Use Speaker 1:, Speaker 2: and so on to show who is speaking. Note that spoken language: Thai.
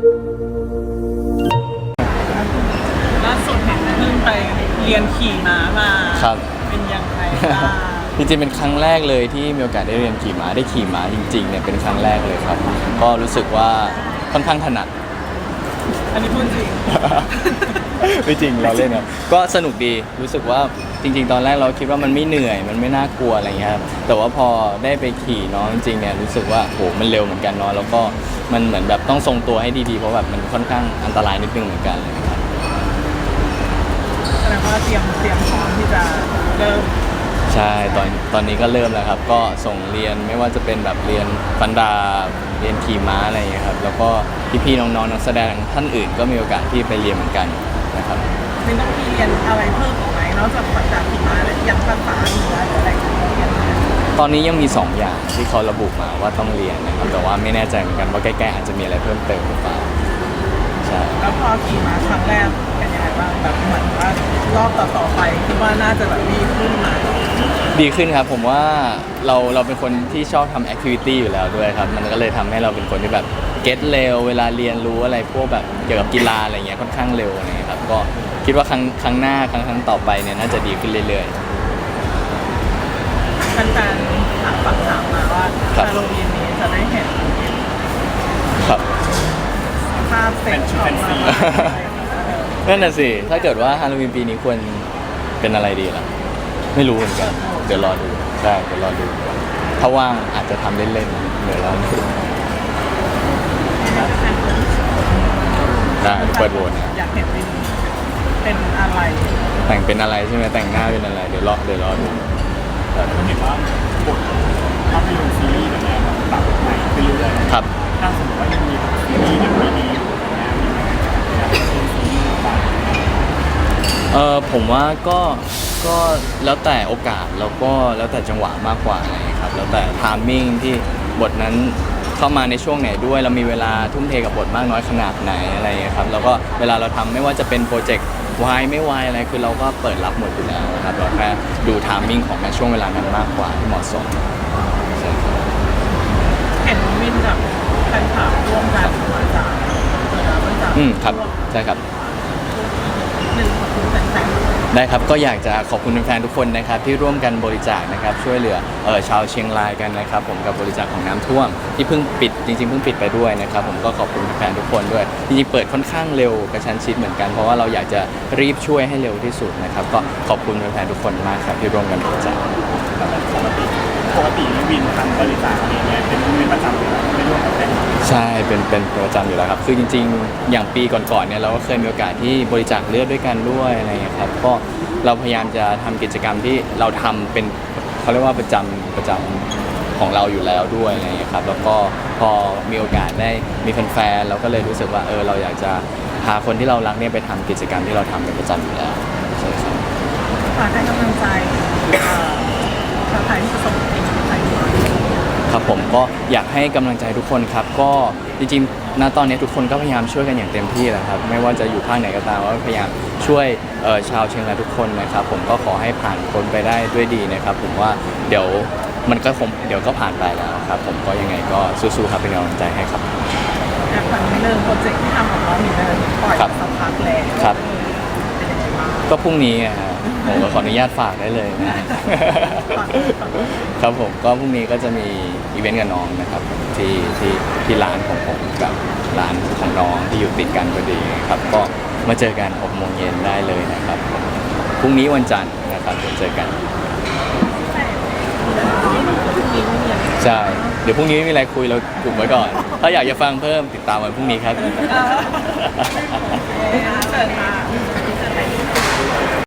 Speaker 1: ล่าสุดเห็นเพิ่งไปเรียนขี่ม้ามา
Speaker 2: ครับ
Speaker 1: เป็นยังไงบ้าง
Speaker 2: จริงๆเป็นครั้งแรกเลยที่มีโอกาสได้เรียนขี่ม้าได้ขี่ม้าจริงๆเนี่ยเป็นครั้งแรกเลยครับก็รู้สึกว่าค่อนข้างถนัด
Speaker 1: อันนี้พูดจริง
Speaker 2: ไม่จริงเราเล่นครับก็สนุกดีรู้สึกว่าจริงๆตอนแรกเราคิดว่ามันไม่เหนื่อยมันไม่น่ากลัวอะไรเงี้ยครับแต่ว่าพอได้ไปขี่เนาะจริงๆเนี่ยรู้สึกว่าโหมันเร็วเหมือนกันเนาะแล้วก็มันเหมือนแบบต้องทรงตัวให้ดีๆเพราะแบบมันค่อนข้างอันตรายนิดนึงเหมือนกันเลยครับ
Speaker 1: แสดงว่าเตรียมพร้อมที่จะเริ่ม
Speaker 2: ใช่ตอนนี้ก็เริ่มแล้วครับก็ส่งเรียนไม่ว่าจะเป็นแบบเรียนฟันดาเรียนขี่ม้าอะไรอย่างเงี้ยครับแล้วก็พี่ๆน้องๆนักแสดงท่านอื่นก็มีโอกาสที่ไปเรียนเหมือนกันนะครับ
Speaker 1: ไม่ต้องมีเรียนอะไรเพิ่มอีกไหมนอกจากปัจจัยขี่ม้าและยังภาษาหรืออะไรเรียน
Speaker 2: ตอนนี้ยังมี2อย่างที่เขาระบุมาว่าต้องเรียนนะครับแต่ว่าไม่แน่ใจเหมือนกันว่าใกล้ๆอาจจะมีอะไรเพิ่มเติมหรือเปล่าใช่
Speaker 1: แล้วพอขี่ม้าครั้งแรกเป็นยังไงบ้างแบบเหมือนว่ารอบต่อไปคิดว่าน่าจะแบบดีขึ้นไหม
Speaker 2: ดีขึ้นครับผมว่าเราเป็นคนที่ชอบทำแอคทิวิตี้อยู่แล้วด้วยครับมันก็เลยทำให้เราเป็นคนที่แบบเก็ตเร็วเวลาเรียนรู้อะไรพวกแบบเกี่ยวกับกีฬาอะไรเงี้ยค่อนข้างเร็วนะครับก็คิดว่าครั้งหน้าครั้งต่อไปเนี่ยน่าจะดีขึ้นเรื่อย
Speaker 1: ๆแฟนๆถามมาว่าฮาโลวีนนี้จะได้เห็น
Speaker 2: ครับ
Speaker 1: ภาพเซ็ตของเรา
Speaker 2: นั่นน่ะสิถ้าเกิดว่าฮาโลวีนปีนี้ควรเป็นอะไรดีล่ะไม่รู้เหมือนกันเดี๋ยวรอดูใช่เดี๋ยวรอดูถ้าว่างอาจจะทำเล่นๆเดี๋ยวรอดูได้เปิดโหวต
Speaker 1: อยากเห็นเป็นอะไร
Speaker 2: แต่งเป็นอะไรใช่ไหมแต่งหน้าเป็นอะไรเดี๋ยวรอดู
Speaker 3: แต่เห็นว่าบทภาพยนตร์ซีรีส์เนี่ยปรับใหม่ไปเรื่อยๆ
Speaker 2: ครับ
Speaker 3: ถ้าสมมติว่ายังมีซีรีส์อย่างไม่ดีอยู่นะ
Speaker 2: ผมว่าก็แล้วแต่โอกาสแล้วก็แล้วแต่จังหวะมากกว่านะครับแล้วแต่ไทมิ่งที่บทนั้นเข้ามาในช่วงไหนด้วยเรามีเวลาทุ่มเทกับบทมากน้อยขนาดไหนอะไรครับแล้วก็เวลาเราทำไม่ว่าจะเป็นโปรเจกต์วายไม่วายอะไรคือเราก็เปิดรับหมดอยู่แล้วนะครับเราแค่ดูไทมิ่งของในช่วงเวลานั้นมากกว่าที่เหมาะสม
Speaker 1: เห็นวินกับแฟนคลับร่วมกันมาจาก
Speaker 2: ครับใช่ครับ
Speaker 1: หนึ่งขอบคุณแฟนๆ
Speaker 2: ได้ครับก็อยากจะขอบคุณแฟนๆทุกคนนะครับที่ร่วมกันบริจาคนะครับช่วยเหลือชาวเชียงรายกันนะครับผมกับบริจาคของน้ำท่วมที่เพิ่งปิดจริงๆเพิ่งปิดไปด้วยนะครับผมก็ขอบคุณแฟนๆทุกคนด้วยจริงๆเปิดค่อนข้างเร็วกระชั้นชิดเหมือนกันเพราะว่าเราอยากจะรีบช่วยให้เร็วที่สุดนะครับก็ขอบคุณแฟนๆทุกคนมากครับที่ร่วมกันบริจาค
Speaker 3: ปกติวินทำบริจาคเองเนี่ยเป็นประจำอยู่แล้วไม่ร่วมกับแฟน
Speaker 2: ใช่เป็นประจำอยู่แล้วครับคือจริงๆอย่างปีก่อนๆเนี่ยเราก็เคยมีโอกาสที่บริจาคเลือดด้วยกันด้วยอะไรอย่างเงี้ยครับก็เราพยายามจะทำกิจกรรมที่เราทำเป็นเขาเรียกว่าประจำของเราอยู่แล้วด้วยอะไรอย่างเงี้ยครับแล้วก็พอมีโอกาสได้มีแฟนๆเราก็เลยรู้สึกว่าเราอยากจะพาคนที่เรารักเนี่ยไปทำกิจกรรมที่เราทำเป็นประจำอยู่แล้วใช่ครับ
Speaker 1: ฝากให้กำลังใจชาวไทยที่ประสบภัย
Speaker 2: ครับผมก็อยากให้กำลังใจทุกคนครับก็จริงๆณตอนนี้ทุกคนก็พยายามช่วยกันอย่างเต็มที่แหละครับไม่ว่าจะอยู่ภาคไหนก็ตามว่าพยายามช่วยชาวเชียงรายทุกคนนะครับผมก็ขอให้ผ่านพ้นไปได้ด้วยดีนะครับผมว่าเดี๋ยวมันก็เดี๋ยวก็ผ่านไปแล้วครับผมก็ยังไงก็สู้ๆครับเป็นกำลังใจให้ครับ
Speaker 1: อยากฟังเรื่องโปรเจกต์ที่ทำของเรามีอะไรปล่อยสักพักแล้ว
Speaker 2: ครับก็พรุ่งนี้ผมก็ขออนุญาตฝากได้เลยนะครับผมก็พรุ่งนี้ก็จะมีอีเวนต์กับน้องนะครับที่ร้านของผมกับร้านของน้องที่อยู่ติดกันพอดีครับก็มาเจอกัน6 โมงเย็นได้เลยนะครับพรุ่งนี้วันจันทร์นะครับเจอกันใช่เดี๋ยวพรุ่งนี้ไม่มีอะไรคุยเรากลุ่มไว้ก่อนถ้าอยากจะฟังเพิ่มติดตามวันพรุ่งนี้ครับ